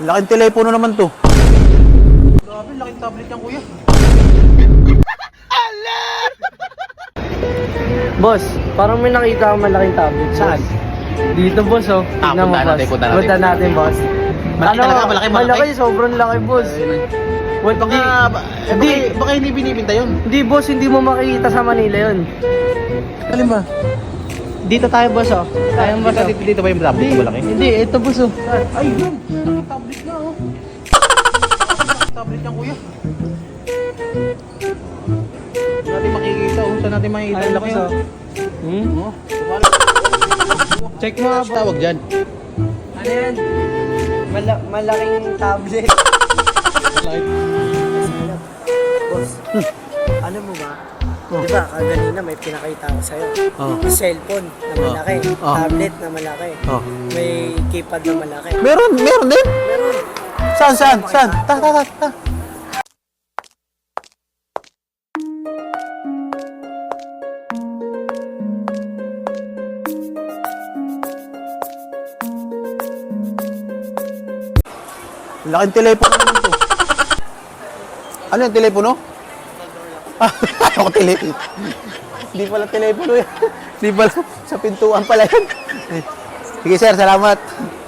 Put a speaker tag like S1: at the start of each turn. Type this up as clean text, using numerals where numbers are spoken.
S1: Laking telepono naman to. Grabe, laking tablet yan, kuya.
S2: Boss, parang may nakita akong malaking tablet.
S1: Saan?
S2: Dito, boss, oh. Tignan mo, boss. Punta natin, boss.
S1: Malaki talaga, malaki.
S2: Malaki, sobrang laki, boss.
S1: Baka hindi binibinta yun.
S2: Hindi, boss, hindi mo makikita sa Manila yun.
S1: Alin ba?
S2: Dito tayo, boss, oh. Tayo, boss, oh.
S1: Dito ba yung tablet ko malaki?
S2: Hindi, ito, boss, oh.
S1: Ay, yun. Laking tablet na, oh. Laking tablet yan, kuya. Saan natin makikita, oh. Saan natin makikita yung laki, oh. Oh,
S2: Check mo,
S1: Ano tawag dyan?
S2: Ano yan? Malaking tablet. Boss, ano mo ba? Di ba, kanina may pinakita ko sa'yo. Cellphone na malaki, tablet na malaki, may keypad na malaki.
S1: Meron din?
S2: Meron.
S1: Saan? Ta. Laking telepono naman to. Ano yung telepono? Ako telepono. Hindi pala telepono yan. Hindi pala sa pintuan pala yan. Sige sir, salamat.